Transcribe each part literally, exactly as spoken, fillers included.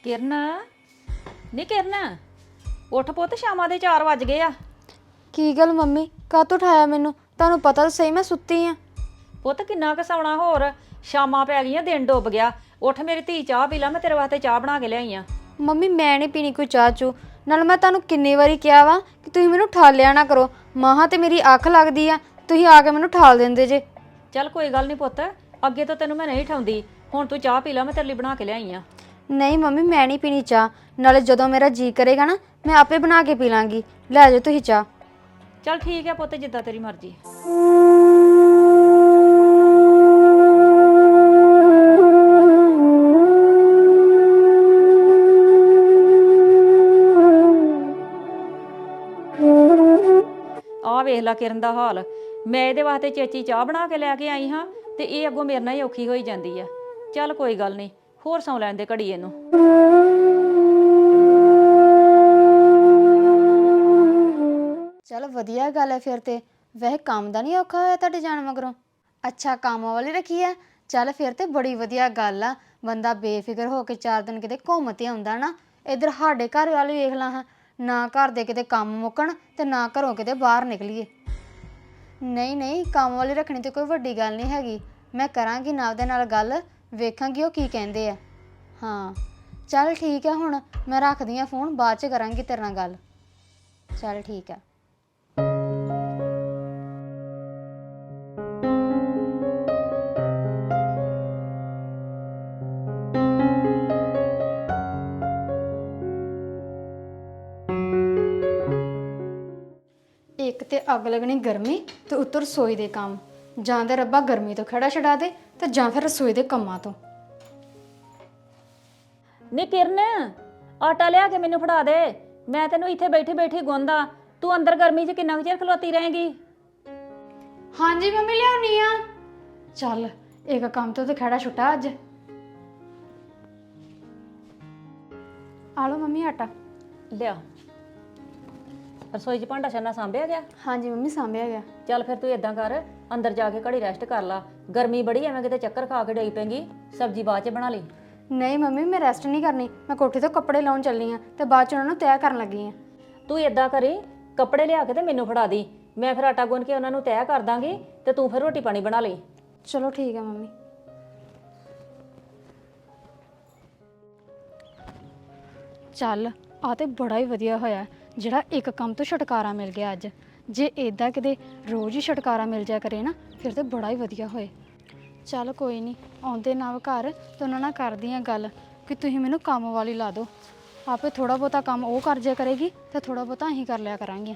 ਕਿਰਨ ਨੀ ਕਿਰਨ ਉੱਠ ਪੁੱਤ ਸ਼ਾਮਾਂ ਦੇ ਚਾਰ ਵੱਜ ਗਏ ਆ। ਕੀ ਗੱਲ ਮੰਮੀ ਕਾਹਤੋਂ ਉਠਾਇਆ ਮੈਨੂੰ? ਤੁਹਾਨੂੰ ਪਤਾ ਤਾਂ ਸਹੀ ਮੈਂ ਸੁੱਤੀ ਆ। ਪੁੱਤ ਕਿੰਨਾ ਕੁ ਸੌਣਾ ਹੋਰ, ਸ਼ਾਮਾਂ ਪੈ ਗਈਆਂ, ਦਿਨ ਡੁੱਬ ਗਿਆ। ਉੱਠ ਮੇਰੀ ਧੀ, ਚਾਹ ਪੀ ਲਾ, ਮੈਂ ਤੇਰੇ ਵਾਸਤੇ ਚਾਹ ਬਣਾ ਕੇ ਲਿਆਈ ਆ। ਮੰਮੀ ਮੈਂ ਨਹੀਂ ਪੀਣੀ ਕੋਈ ਚਾਹ ਚੂ। ਨਾਲ ਮੈਂ ਤੁਹਾਨੂੰ ਕਿੰਨੀ ਵਾਰੀ ਕਿਹਾ ਵਾ ਕਿ ਤੁਸੀਂ ਮੈਨੂੰ ਠਾਲਿਆ ਨਾ ਕਰੋ। ਮਾਹਾਂ ਤੇ ਮੇਰੀ ਅੱਖ ਲੱਗਦੀ ਆ, ਤੁਸੀਂ ਆ ਕੇ ਮੈਨੂੰ ਠਾਲ ਦਿੰਦੇ ਜੇ। ਚੱਲ ਕੋਈ ਗੱਲ ਨਹੀਂ ਪੁੱਤ, ਅੱਗੇ ਤੋਂ ਤੈਨੂੰ ਮੈਂ ਨਹੀਂ ਠਾਉਂਦੀ। ਹੁਣ ਤੂੰ ਚਾਹ ਪੀ ਲਾ, ਮੈਂ ਤੇਰੇ ਲਈ ਬਣਾ ਕੇ ਲਿਆਈ ਆ। ਨਹੀਂ ਮੰਮੀ ਮੈਂ ਨਹੀਂ ਪੀਣੀ ਚਾਹ। ਨਾਲੇ ਜਦੋਂ ਮੇਰਾ ਜੀ ਕਰੇਗਾ ਨਾ ਮੈਂ ਆਪੇ ਬਣਾ ਕੇ ਪੀ ਲਾਂਗੀ। ਲੈ ਜਾਓ ਤੁਸੀਂ ਚਾਹ। ਚੱਲ ਠੀਕ ਹੈ ਪੁੱਤ, ਜਿੱਦਾਂ ਤੇਰੀ ਮਰਜ਼ੀ। ਆ ਵੇਖ ਲਾ ਕਿਰਨ ਦਾ ਹਾਲ। ਮੈਂ ਇਹਦੇ ਵਾਸਤੇ ਚੇਚੀ ਚਾਹ ਬਣਾ ਕੇ ਲੈ ਕੇ ਆਈ ਹਾਂ ਤੇ ਇਹ ਅੱਗੋਂ ਮੇਰੇ ਨਾਲ ਹੀ ਔਖੀ ਹੋਈ ਜਾਂਦੀ ਆ। ਚੱਲ ਕੋਈ ਗੱਲ ਨਹੀਂ, ਹੋਰ ਸੌਂ ਲੈਣ ਦੇ ਘੜੀ ਇਹਨੂੰ। ਚਲ ਵਧੀਆ ਗੱਲ ਹੈ ਫਿਰ ਤੇ। ਵੈਸੇ ਕੰਮ ਦਾ ਨਹੀਂ ਔਖਾ ਹੋਇਆ ਤੁਹਾਡੇ ਜਾਣ ਮਗਰੋਂ? ਅੱਛਾ ਕੰਮ ਵਾਲੀ ਰੱਖੀ ਆ। ਚੱਲ ਫਿਰ ਤੇ ਬੜੀ ਵਧੀਆ ਗੱਲ ਆ। ਬੰਦਾ ਬੇਫਿਕਰ ਹੋ ਕੇ ਚਾਰ ਦਿਨ ਕਿਤੇ ਘੁੰਮ ਤੇ ਆਉਂਦਾ ਨਾ। ਇੱਧਰ ਸਾਡੇ ਘਰ ਵਾਲੀ ਵੇਖ ਲਾ ਹਾਂ, ਨਾ ਘਰ ਦੇ ਕਿਤੇ ਕੰਮ ਮੁੱਕਣ ਤੇ ਨਾ ਘਰੋਂ ਕਿਤੇ ਬਾਹਰ ਨਿਕਲੀਏ। ਨਹੀਂ ਨਹੀਂ ਕੰਮ ਵਾਲੀ ਰੱਖਣੀ ਤੇ ਕੋਈ ਵੱਡੀ ਗੱਲ ਨਹੀਂ ਹੈਗੀ। ਮੈਂ ਕਰਾਂਗੀ ਨਾਲ ਦੇ ਨਾਲ ਗੱਲ, ਵੇਖਾਂਗੀ ਉਹ ਕੀ ਕਹਿੰਦੇ ਆ। ਹਾਂ ਚੱਲ ਠੀਕ ਹੈ, ਹੁਣ ਮੈਂ ਰੱਖਦੀ ਹਾਂ ਫੋਨ, ਬਾਅਦ 'ਚ ਕਰਾਂਗੀ ਤੇਰੇ ਨਾਲ ਗੱਲ। ਚੱਲ ਠੀਕ ਹੈ। ਇੱਕ ਤੇ ਅੱਗ ਲੱਗਣੀ ਗਰਮੀ ਤੇ ਉੱਤੋਂ ਰਸੋਈ ਦੇ ਕੰਮ। ਜਾਂ ਤਾਂ ਰੱਬਾ ਗਰਮੀ ਤੋਂ ਖੜਾ ਛਡਾ ਦੇ ਤੇ ਜਾਂ ਫਿਰ ਰਸੋਈ ਦੇ ਕੰਮਾਂ ਤੋਂ। ਨੀ ਕਿਰਨ, ਆਟਾ ਲਿਆ ਕੇ ਮੈਨੂੰ ਫੜਾ ਦੇ। ਮੈਂ ਤੈਨੂੰ ਇੱਥੇ ਬੈਠੀ ਬੈਠੀ ਗੁੰਦਾ, ਤੂੰ ਅੰਦਰ ਗਰਮੀ 'ਚ ਕਿੰਨਾ ਕੁ ਚਿਰ ਖਲੋਤੀ ਰਹੇਂਗੀ? ਹਾਂਜੀ ਮੰਮੀ ਲਿਆਉਣੀ ਆ। ਚੱਲ ਇੱਕ ਕੰਮ ਤੋਂ ਤੇ ਖੜਾ ਛੁੱਟਾ ਅੱਜ। ਆ ਲਓ ਮੰਮੀ ਆਟਾ। ਲਿਆ। ਰਸੋਈ 'ਚ ਭਾਂਡਾ ਛੰਨਾ ਸਾਂਭਿਆ ਗਿਆ? ਹਾਂਜੀ ਮੰਮੀ ਸਾਂਭਿਆ ਗਿਆ। ਚੱਲ ਫਿਰ ਤੂੰ ਇਦਾਂ ਕਰ, ਅੰਦਰ ਜਾ ਕੇ ਘੜੀ ਰੈਸਟ ਕਰ ਲਾ। ਗਰਮੀ ਬੜੀ ਐਵੇਂ ਕਿਤੇ ਚੱਕਰ ਖਾ ਕੇ ਡਈ ਪੈਂਗੀ। ਸਬਜ਼ੀ ਬਾਅਦ 'ਚ ਬਣਾ ਲਈ। ਨਹੀਂ ਮੰਮੀ ਮੈਂ ਰੈਸਟ ਨਹੀਂ ਕਰਨੀ, ਮੈਂ ਕੋਠੇ ਤੋਂ ਕੱਪੜੇ ਲਾਉਣ ਚੱਲੀ ਆ ਤੇ ਬਾਅਦ 'ਚ ਉਹਨਾਂ ਨੂੰ ਤੈਅ ਕਰਨ ਲੱਗੀ ਆ। ਤੂੰ ਇਦਾਂ ਕਰੀ, ਕੱਪੜੇ ਲਿਆ ਕੇ ਤੇ ਮੈਨੂੰ ਫੜਾ ਦੀ। ਮੈਂ ਫਿਰ ਆਟਾ ਗੁੰਨ ਕੇ ਉਹਨਾਂ ਨੂੰ ਤੈਅ ਕਰ ਦਾਂਗੀ ਤੇ ਤੂੰ ਫਿਰ ਰੋਟੀ ਪਾਣੀ ਬਣਾ ਲਈ। ਚਲੋ ਠੀਕ ਹੈ ਮੰਮੀ। ਚੱਲ ਆ ਤੇ ਬੜਾ ਹੀ ਵਧੀਆ ਹੋਇਆ ਜਿਹੜਾ ਇੱਕ ਕੰਮ ਤੋਂ ਛੁਟਕਾਰਾ ਮਿਲ ਗਿਆ ਅੱਜ। ਜੇ ਇਦਾਂ ਕਿਤੇ ਰੋਜ਼ ਹੀ ਛੁਟਕਾਰਾ ਮਿਲ ਜਾ ਕਰੇ ਨਾ ਫਿਰ ਤੇ ਬੜਾ ਹੀ ਵਧੀਆ ਹੋਏ। ਚੱਲ ਕੋਈ ਨਹੀਂ, ਆਉਂਦੇ ਨਾ ਘਰ ਤੇ ਉਹਨਾਂ ਨਾਲ ਕਰਦੀ ਆ ਗੱਲ ਕਿ ਤੁਸੀਂ ਮੈਨੂੰ ਕੰਮ ਵਾਲੀ ਲਾ ਦਿਓ। ਆਪੇ ਥੋੜਾ ਬਹੁਤਾ ਕੰਮ ਉਹ ਕਰ ਜਾ ਕਰੇਗੀ ਤੇ ਥੋੜਾ ਬਹੁਤਾ ਅਸੀਂ ਕਰ ਲਿਆ ਕਰਾਂਗੇ।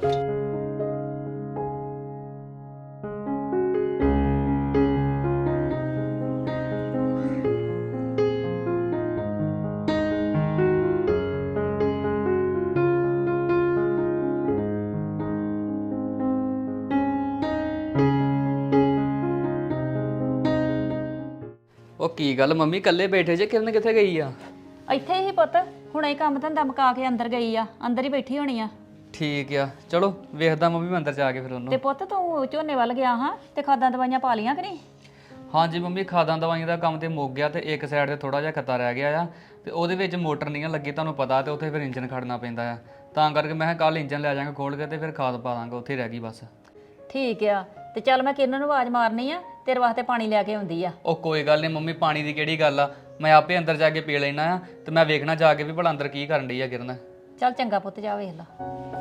ਉਹ ਕੀ ਗੱਲ ਮੰਮੀ ਇਕੱਲੇ ਬੈਠੇ ਜੇ? ਕਿਰਨ ਕਿੱਥੇ ਗਈ ਆ? ਇੱਥੇ ਹੀ ਪੁੱਤ, ਹੁਣੇ ਹੀ ਕੰਮ ਧੰਦਾ ਮੁਕਾ ਕੇ ਅੰਦਰ ਗਈ ਆ। ਅੰਦਰ ਹੀ ਬੈਠੀ ਹੋਣੀ ਆ। ਠੀਕ ਆ, ਚਲੋ ਵੇਖਦਾ ਮੰਮੀ ਮੈਂ ਅੰਦਰ ਜਾ ਕੇ ਫਿਰ ਉਹਨੂੰ। ਤੇ ਪੁੱਤ ਤੂੰ ਝੋਨੇ ਵੱਲ ਗਿਆ ਹਾਂ ਤੇ ਖਾਦਾਂ ਦਵਾਈਆਂ ਪਾ ਲੀਆਂ ਕਿ ਨਹੀਂ? ਹਾਂਜੀ ਮੰਮੀ, ਖਾਦਾਂ ਦਵਾਈਆਂ ਦਾ ਕੰਮ ਤੇ ਮੁੱਕ ਗਿਆ ਤੇ ਇੱਕ ਸਾਈਡ ਤੇ ਥੋੜਾ ਜਿਹਾ ਖੱਤਾ ਰਹਿ ਗਿਆ ਆ ਤੇ ਉਹਦੇ ਵਿੱਚ ਮੋਟਰ ਨਹੀਂ ਲੱਗੀ, ਤੁਹਾਨੂੰ ਪਤਾ, ਤੇ ਉੱਥੇ ਫਿਰ ਇੰਜਨ ਖੜਨਾ ਪੈਂਦਾ ਆ। ਤਾਂ ਕਰਕੇ ਮੈਂ ਕਿਹਾ ਕੱਲ ਇੰਜਨ ਲੈ ਜਾਵਾਂਗਾ ਖੋਲ ਕੇ ਤੇ ਫਿਰ ਖਾਦ ਪਾ ਦਾਂਗਾ, ਉੱਥੇ ਰਹਿ ਗਈ ਬਸ। ਠੀਕ ਆ, ਤੇ ਚੱਲ ਮੈਂ ਕਿਰਨ ਨੂੰ ਆਵਾਜ਼ ਮਾਰਨੀ ਆ, ਤੇਰੇ ਵਾਸਤੇ ਪਾਣੀ ਲੈ ਕੇ ਆਉਂਦੀ ਆ। ਉਹ ਕੋਈ ਗੱਲ ਨਹੀਂ ਮੰਮੀ, ਪਾਣੀ ਦੀ ਕਿਹੜੀ ਗੱਲ ਆ, ਮੈਂ ਆਪੇ ਅੰਦਰ ਜਾ ਕੇ ਪੀ ਲੈਣਾ ਆ ਤੇ ਮੈਂ ਵੇਖਣਾ ਜਾ ਕੇ ਵੀ ਭਲਾ ਅੰਦਰ ਕੀ ਕਰਨ ਡਈ ਆ ਕਿਰਨ। ਚੱਲ ਚੰਗਾ ਪੁੱਤ, ਜਾ ਵੇਖ ਲਾ।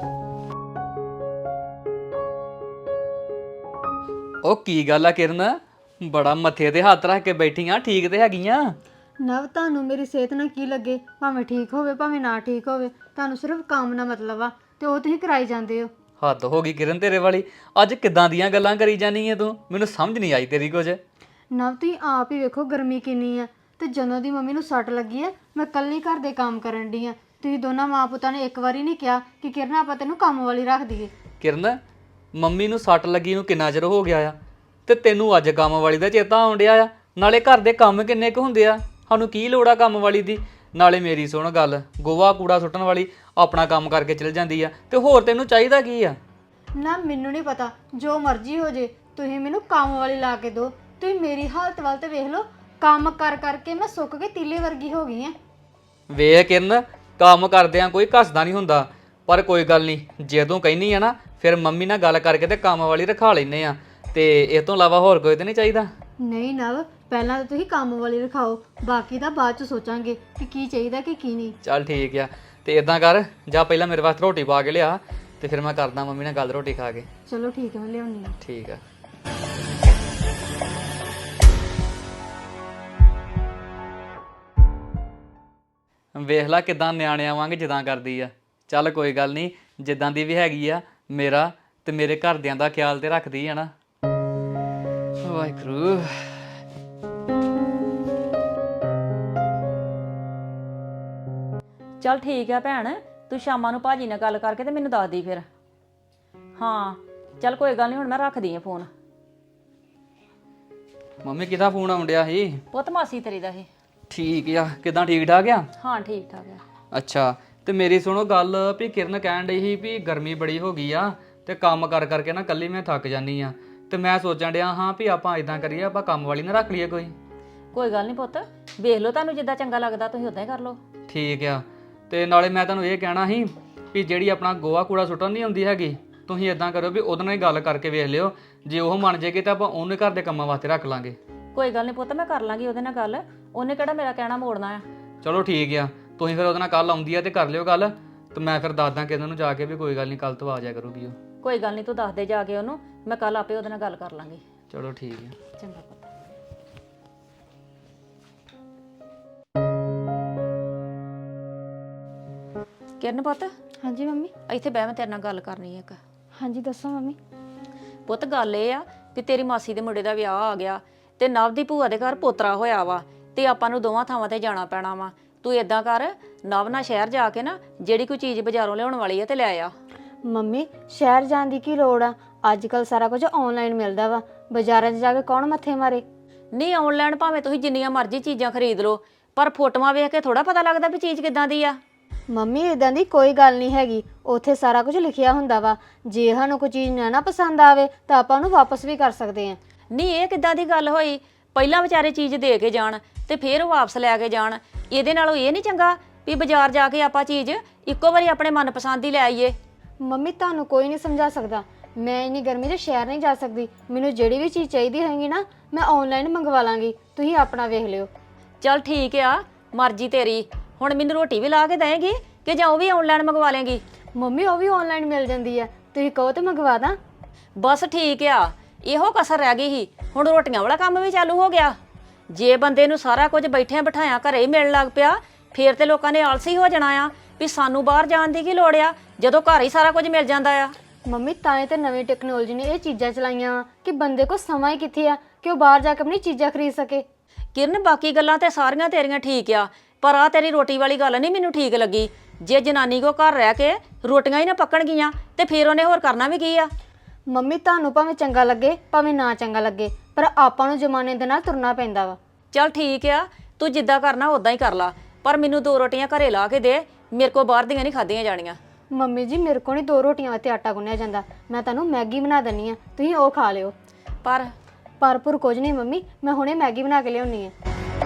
ਉਹ ਕੀ ਗੱਲ ਆ ਕਿਰਨ, ਬੜਾ ਮੱਥੇ ਤੇ ਹੱਥ ਰੱਖ ਕੇ ਬੈਠੀਆਂ, ਠੀਕ ਤੇ ਹੈਗੀਆਂ? ਨਵ ਤੁਹਾਨੂੰ ਮੇਰੀ ਸਿਹਤ ਨਾਲ ਕੀ ਲੱਗੇ, ਭਾਵੇਂ ਠੀਕ ਹੋਵੇ ਭਾਵੇਂ ਨਾ ਠੀਕ ਹੋਵੇ, ਤੁਹਾਨੂੰ ਸਿਰਫ ਕੰਮ ਨਾਲ ਮਤਲਬ ਆ ਤੇ ਉਹ ਤੁਸੀਂ ਕਰਾਈ ਜਾਂਦੇ ਹੋ। ਹੱਦ ਹੋ ਗਈ ਕਿਰਨ ਤੇਰੇ ਵਾਲੀ, ਅੱਜ ਕਿੱਦਾਂ ਦੀਆਂ ਗੱਲਾਂ ਕਰੀ ਜਾਨੀ ਹੈ ਤੂੰ? ਮੈਨੂੰ ਸਮਝ ਨਹੀਂ ਆਈ ਤੇਰੀ ਕੁਝ। ਨਵ ਤੁਸੀਂ ਆਪ ਹੀ ਵੇਖੋ ਗਰਮੀ ਕਿੰਨੀ ਆ ਤੇ ਜਦੋਂ ਦੀ ਮੰਮੀ ਨੂੰ ਸੱਟ ਲੱਗੀ ਆ ਮੈਂ ਕੱਲੀ ਘਰ ਦੇ ਕੰਮ ਕਰਨ ਡਈ ਆ। ਤੁਸੀਂ ਦੋਨਾਂ ਮਾਂ ਪੁੱਤਾਂ ਨੇ ਇੱਕ ਵਾਰੀ ਨਹੀਂ ਕਿਹਾ ਕਿ ਕਿਰਨ ਆਪਾਂ ਤੈਨੂੰ ਕੰਮ ਵਾਲੀ ਰੱਖ ਦਈਏ। ਕਿਰਨ, ਮੰਮੀ ਨੂੰ ਸੱਟ ਲੱਗੀ ਨੂੰ ਕਿੰਨਾ ਚਿਰ ਹੋ ਗਿਆ ਆ ਤੇ ਤੈਨੂੰ ਅੱਜ ਕੰਮ ਵਾਲੀ ਦਾ ਚੇਤਾ ਆਉਣ ਡਿਆ ਆ? ਨਾਲੇ ਘਰ ਦੇ ਕੰਮ ਕਿੰਨੇ ਕੁ ਹੁੰਦੇ ਆ, ਸਾਨੂੰ ਕੀ ਲੋੜ ਆ ਕੰਮ ਵਾਲੀ ਦੀ? ਨਾਲੇ ਮੇਰੀ ਸੁਣ ਗੱਲ, ਗੋਹਾ ਕੂੜਾ ਸੁੱਟਣ ਵਾਲੀ ਆਪਣਾ ਕੰਮ ਕਰਕੇ ਚਲ ਜਾਂਦੀ ਆ ਤੇ ਹੋਰ ਤੈਨੂੰ ਚਾਹੀਦਾ ਕੀ ਆ? ਨਾ ਮੈਨੂੰ ਨਹੀਂ ਪਤਾ, ਜੋ ਮਰਜ਼ੀ ਹੋ ਜੇ, ਤੁਸੀਂ ਮੈਨੂੰ ਕੰਮ ਵਾਲੀ ਲਾ ਕੇ ਦਿਓ। ਤੁਸੀਂ ਮੇਰੀ ਹਾਲਤ ਵੱਲ ਤੇ ਵੇਖ ਲਓ, ਕੰਮ ਕਰ ਕਰਕੇ ਮੈਂ ਸੁੱਕ ਕੇ ਤੀਲੇ ਵਰਗੀ ਹੋ ਗਈ ਆ। ਵੇਖ ਕਿਰਨ, ਕੰਮ ਕਰਦਿਆਂ ਕੋਈ ਘਸਦਾ ਨਹੀਂ ਹੁੰਦਾ, ਪਰ ਕੋਈ ਗੱਲ ਨਹੀਂ, ਜਦੋਂ ਕਹਿਨੀ ਆ ਨਾ ਫਿਰ ਮੰਮੀ ਨਾਲ ਗੱਲ ਕਰਕੇ ਤੇ ਕੰਮ ਵਾਲੀ ਰਖਾ ਲੈਨੇ ਆ। ਤੇ ਇਹ ਤੋਂ ਇਲਾਵਾ ਹੋਰ ਕੋਈ ਤੇ ਨਹੀਂ ਚਾਹੀਦਾ? ਨਹੀਂ ਨਵ, ਪਹਿਲਾਂ ਤਾਂ ਤੁਸੀਂ ਕੰਮ ਵਾਲੀ ਰਖਾਓ, ਬਾਕੀ ਦਾ ਬਾਅਦ ਚ ਸੋਚਾਂਗੇ ਕਿ ਕੀ ਚਾਹੀਦਾ ਕਿ ਕੀ ਨਹੀਂ। ਚੱਲ ਠੀਕ ਆ, ਤੇ ਇਦਾਂ ਕਰ, ਜਾਂ ਪਹਿਲਾਂ ਮੇਰੇ ਵਾਸਤੇ ਰੋਟੀ ਪਾ ਕੇ ਲਿਆ, ਤੇ ਫਿਰ ਮੈਂ ਕਰਦਾ ਮੰਮੀ ਨਾਲ ਗੱਲ ਰੋਟੀ ਖਾ ਕੇ। ਚਲੋ ਠੀਕ ਹੈ, ਮੈਂ ਲਿਆਉਣੀ ਆ। ਠੀਕ ਆ। ਵੇਖ ਲੈ ਕਿਦਾਂ ਨਿਆਣਿਆਂ ਵਾਂਗ ਜਿੱਦਾਂ ਕਰਦੀ ਆ। ਚੱਲ ਕੋਈ ਗੱਲ ਨਹੀਂ, ਜਿੱਦਾਂ ਦੀ ਵੀ ਹੈਗੀ ਆ, ਮੇਰਾ ਤੇ ਮੇਰੇ ਘਰਦਿਆਂ ਦਾ ਖਿਆਲ ਤੇ ਰੱਖਦੀ ਆ ਨਾ। ਵਾਹਿਗੁਰੂ। ਚੱਲ ਠੀਕ ਆ ਭੈਣ, ਤੂੰ ਸ਼ਾਮਾਂ ਨੂੰ ਭਾਜੀ ਨਾਲ ਗੱਲ ਕਰਕੇ ਤੇ ਮੈਨੂੰ ਦੱਸ ਦੀ ਫਿਰ। ਹਾਂ ਚੱਲ ਕੋਈ ਗੱਲ ਨਹੀਂ, ਹੁਣ ਮੈਂ ਰੱਖਦੀ ਆ ਫੋਨ। ਮੰਮੀ ਕਿਹਦਾ ਫੋਨ ਆਉਣ ਡਿਆ ਸੀ? ਪੁੱਤ ਮਾਸੀ ਤੇਰੀ ਦਾ ਇਹ। ਠੀਕ ਆ, ਕਿਦਾਂ ਠੀਕ ਠਾਕ ਆ? ਹਾਂ ਠੀਕ ਠਾਕ ਆ। ਅੱਛਾ, ਤੇ ਮੇਰੀ ਸੁਣੋ ਗੱਲ, ਵੀ ਕਿਰਨ ਕਹਿਣ ਡਈ ਸੀ ਵੀ ਗਰਮੀ ਬੜੀ ਹੋ ਗਈ ਆ ਤੇ ਕੰਮ ਕਰ ਕਰਕੇ ਨਾ ਕੱਲੀ ਮੈਂ ਥੱਕ ਜਾਨੀ ਆ, ਤੇ ਮੈਂ ਸੋਚਣ ਡਿਆ ਹਾਂ ਵੀ ਆਪਾਂ ਇਦਾਂ ਕਰੀਏ, ਆਪਾਂ ਕੰਮ ਵਾਲੀ ਨਾ ਰੱਖ ਲਈਏ ਕੋਈ। ਕੋਈ ਗੱਲ ਨਹੀਂ ਪੁੱਤ, ਵੇਖ ਲਓ ਤੁਹਾਨੂੰ ਜਿੱਦਾਂ ਚੰਗਾ ਲੱਗਦਾ ਤੁਸੀਂ ਉਦਾਂ ਹੀ ਕਰ ਲਓ। ਠੀਕ ਆ, ਤੇ ਨਾਲੇ ਮੈਂ ਤੁਹਾਨੂੰ ਇਹ ਕਹਿਣਾ ਸੀ ਵੀ ਜਿਹੜੀ ਆਪਣਾ ਗੋਹਾ ਕੂੜਾ ਸੁੱਟਣ ਨਹੀਂ ਹੁੰਦੀ ਹੈਗੀ, ਤੁਸੀਂ ਇਦਾਂ ਕਰੋ ਵੀ ਉਹਦੇ ਨਾਲ ਹੀ ਗੱਲ ਕਰਕੇ ਵੇਖ ਲਿਓ, ਜੇ ਉਹ ਮੰਨ ਜੇਗੀ ਤਾਂ ਆਪਾਂ ਉਹਨੇ ਘਰ ਦੇ ਕੰਮਾਂ ਵਾਸਤੇ ਰੱਖ ਲਾਂਗੇ। ਕੋਈ ਗੱਲ ਨਹੀਂ ਪੁੱਤ, ਮੈਂ ਕਰ ਲਾਂਗੀ ਉਹਦੇ ਨਾਲ ਗੱਲ, ਉਹਨੇ ਕਿਹੜਾ ਮੇਰਾ ਕਹਿਣਾ ਮੋੜਨਾ ਆ। ਚਲੋ ਠੀਕ ਆ, ਤੁਸੀਂ ਫਿਰ ਉਹਦੇ ਨਾਲ ਕੱਲ ਆਉਂਦੀ ਆ ਤੇ ਕਰ ਲਿਓ ਗੱਲ, ਤੇ ਮੈਂ ਫਿਰ ਦੱਸਦਾ ਕਿਹਨਾਂ ਨੂੰ ਜਾ ਕੇ ਵੀ ਕੋਈ ਗੱਲ ਨਹੀਂ, ਕੱਲ ਤੋਂ ਆ ਜਾਇਆ ਕਰੂਗੀ ਉਹ। ਕੋਈ ਗੱਲ ਨਹੀਂ, ਤੂੰ ਦੱਸ ਦੇ ਜਾ ਕੇ ਉਹਨੂੰ, ਮੈਂ ਕੱਲ ਆਪੇ ਉਹਦੇ ਨਾਲ ਗੱਲ ਕਰ ਲਾਂਗੀ। ਚਲੋ ਠੀਕ ਆ। ਚੰਗਾ ਪੁੱਤ। ਕਿਰਨ ਪੁੱਤ, ਹਾਂਜੀ ਮੰਮੀ। ਇੱਥੇ ਬਹਿ, ਮੈਂ ਤੇਰੇ ਨਾਲ ਗੱਲ ਕਰਨੀ ਹੈ ਇੱਕ। ਹਾਂਜੀ ਦੱਸੋ ਮੰਮੀ। ਪੁੱਤ ਗੱਲ ਇਹ ਆ ਕਿ ਤੇਰੀ ਮਾਸੀ ਦੇ ਮੁੰਡੇ ਦਾ ਵਿਆਹ ਆ ਗਿਆ ਤੇ ਨਵ ਦੀ ਭੂਆ ਦੇ ਘਰ ਪੋਤਰਾ ਹੋਇਆ ਵਾ, ਤੇ ਆਪਾਂ ਨੂੰ ਦੋਵਾਂ ਥਾਵਾਂ ਤੇ ਜਾਣਾ ਪੈਣਾ ਵਾ। ਤੂੰ ਏਦਾਂ ਕਰ, ਨਵ ਨਾਲ ਸ਼ਹਿਰ ਜਾ ਕੇ ਨਾ ਜਿਹੜੀ ਕੋਈ ਚੀਜ਼ ਬਾਜ਼ਾਰੋਂ ਲਿਆਉਣ ਵਾਲੀ ਆ ਤੇ ਲੈ ਆ। ਮੰਮੀ ਸ਼ਹਿਰ ਜਾਣ ਦੀ ਕੀ ਲੋੜ ਆ, ਅੱਜ ਕੱਲ ਸਾਰਾ ਕੁਝ ਆਨਲਾਈਨ ਮਿਲਦਾ ਵਾ, ਬਾਜ਼ਾਰਾਂ 'ਚ ਜਾ ਕੇ ਕੌਣ ਮੱਥੇ ਮਾਰੇ। ਨਹੀਂ ਆਨਲਾਈਨ ਭਾਵੇਂ ਤੁਸੀਂ ਜਿੰਨੀਆਂ ਮਰਜ਼ੀ ਚੀਜ਼ਾਂ ਖਰੀਦ ਲਓ, ਪਰ ਫੋਟੋਆਂ ਵੇਖ ਕੇ ਥੋੜਾ ਪਤਾ ਲੱਗਦਾ ਵੀ ਚੀਜ਼ ਕਿੱਦਾਂ ਦੀ ਆ। ਮੰਮੀ ਇਦਾਂ ਦੀ ਕੋਈ ਗੱਲ ਨਹੀਂ ਹੈਗੀ, ਉੱਥੇ ਸਾਰਾ ਕੁਝ ਲਿਖਿਆ ਹੁੰਦਾ ਵਾ, ਜੇ ਸਾਨੂੰ ਕੋਈ ਚੀਜ਼ ਨਾ ਨਾ ਪਸੰਦ ਆਵੇ ਤਾਂ ਆਪਾਂ ਉਹਨੂੰ ਵਾਪਸ ਵੀ ਕਰ ਸਕਦੇ ਹਾਂ। ਨਹੀਂ ਇਹ ਕਿੱਦਾਂ ਦੀ ਗੱਲ ਹੋਈ, ਪਹਿਲਾਂ ਵਿਚਾਰੇ ਚੀਜ਼ ਦੇ ਕੇ ਜਾਣ ਤੇ ਫਿਰ ਉਹ ਵਾਪਸ ਲੈ ਕੇ ਜਾਣ। ਇਹਦੇ ਨਾਲੋਂ ਇਹ ਨਹੀਂ ਚੰਗਾ ਵੀ ਬਾਜ਼ਾਰ ਜਾ ਕੇ ਆਪਾਂ ਚੀਜ਼ ਇੱਕੋ ਵਾਰੀ ਆਪਣੇ ਮਨਪਸੰਦ ਦੀ ਲੈ ਆਈਏ। ਮੰਮੀ ਤੁਹਾਨੂੰ ਕੋਈ ਨਹੀਂ ਸਮਝਾ ਸਕਦਾ, ਮੈਂ ਇੰਨੀ ਗਰਮੀ 'ਚ ਸ਼ਹਿਰ ਨਹੀਂ ਜਾ ਸਕਦੀ, ਮੈਨੂੰ ਜਿਹੜੀ ਵੀ ਚੀਜ਼ ਚਾਹੀਦੀ ਹੋਏਗੀ ਨਾ ਮੈਂ ਆਨਲਾਈਨ ਮੰਗਵਾ ਲਾਂਗੀ, ਤੁਸੀਂ ਆਪਣਾ ਵੇਖ ਲਿਓ। ਚੱਲ ਠੀਕ ਆ, ਮਰਜ਼ੀ ਤੇਰੀ। ਹੁਣ ਮੈਨੂੰ ਰੋਟੀ ਵੀ ਲਾ ਕੇ ਦੇਏਗੀ ਕਿ ਜਾਂ ਉਹ ਵੀ ਆਨਲਾਈਨ ਮੰਗਵਾ ਲੇਗੀ? ਮੰਮੀ ਉਹ ਵੀ ਆਨਲਾਈਨ ਮਿਲ ਜਾਂਦੀ ਆ, ਤੁਸੀਂ ਕਹੋ ਤੇ ਮੰਗਵਾ ਦਾਂ। ਬਸ ਠੀਕ ਆ, ਇਹੋ ਕਸਰ ਰਹਿ ਗਈ ਸੀ, ਹੁਣ ਰੋਟੀਆਂ ਵਾਲਾ ਕੰਮ ਵੀ ਚਾਲੂ ਹੋ ਗਿਆ। ਜੇ ਬੰਦੇ ਨੂੰ ਸਾਰਾ ਕੁਝ ਬੈਠਿਆਂ ਬਿਠਾਇਆ ਘਰੇ ਹੀ ਮਿਲਣ ਲੱਗ ਪਿਆ, ਫੇਰ ਤੇ ਲੋਕਾਂ ਨੇ ਆਲਸੀ ਹੋ ਜਾਣਾ ਆ ਵੀ ਸਾਨੂੰ ਬਾਹਰ ਜਾਣ ਦੀ ਕੀ ਲੋੜ ਆ, ਜਦੋਂ ਘਰ ਹੀ ਸਾਰਾ ਕੁਝ ਮਿਲ ਜਾਂਦਾ ਆ। ਮੰਮੀ ਤਾਂ ਹੀ ਤਾਂ ਨਵੀਂ ਟੈਕਨੋਲੋਜੀ ਨੇ ਇਹ ਚੀਜ਼ਾਂ ਚਲਾਈਆਂ ਵਾ ਕਿ ਬੰਦੇ ਕੋਲ ਸਮਾਂ ਹੀ ਕਿੱਥੇ ਆ ਕਿ ਉਹ ਬਾਹਰ ਜਾ ਕੇ ਆਪਣੀ ਚੀਜ਼ਾਂ ਖਰੀਦ ਸਕੇ। ਕਿਰਨ ਬਾਕੀ ਗੱਲਾਂ ਤੇ ਸਾਰੀਆਂ ਤੇਰੀਆਂ ਠੀਕ ਆ, ਪਰ ਆ ਤੇਰੀ ਰੋਟੀ ਵਾਲੀ ਗੱਲ ਨਹੀਂ ਮੈਨੂੰ ਠੀਕ ਲੱਗੀ। ਜੇ ਜਨਾਨੀ ਕੋ ਘਰ ਰਹਿ ਕੇ ਰੋਟੀਆਂ ਹੀ ਨਾ ਪੱਕਣਗੀਆਂ ਤੇ ਫਿਰ ਉਹਨੇ ਹੋਰ ਕਰਨਾ ਵੀ ਕੀ ਆ। ਮੰਮੀ ਤੁਹਾਨੂੰ ਭਾਵੇਂ ਚੰਗਾ ਲੱਗੇ ਭਾਵੇਂ ਨਾ ਚੰਗਾ ਲੱਗੇ, ਪਰ ਆਪਾਂ ਨੂੰ ਜ਼ਮਾਨੇ ਦੇ ਨਾਲ ਤੁਰਨਾ ਪੈਂਦਾ ਵਾ। ਚੱਲ ਠੀਕ ਆ, ਤੂੰ ਜਿੱਦਾਂ ਕਰਨਾ ਉਦਾਂ ਹੀ ਕਰ ਲਾ, ਪਰ ਮੈਨੂੰ ਦੋ ਰੋਟੀਆਂ ਘਰੇ ਲਾ ਕੇ ਦੇ, ਮੇਰੇ ਕੋ ਬਾਹਰ ਦੀਆਂ ਨਹੀਂ ਖਾਧੀਆਂ ਜਾਣੀਆਂ। ਮੰਮੀ ਜੀ ਮੇਰੇ ਕੋਲ ਨਹੀਂ ਦੋ ਰੋਟੀਆਂ ਵਾਸਤੇ ਆਟਾ ਗੁੰਨਿਆ ਜਾਂਦਾ, ਮੈਂ ਤੁਹਾਨੂੰ ਮੈਗੀ ਬਣਾ ਦਿੰਨੀ ਆ, ਤੁਸੀਂ ਉਹ ਖਾ ਲਿਓ। ਪਰ ਪਰਪੁਰ ਕੁਝ ਨਹੀਂ ਮੰਮੀ, ਮੈਂ ਹੁਣੇ ਮੈਗੀ ਬਣਾ ਕੇ ਲਿਆਉਣੀ ਆ।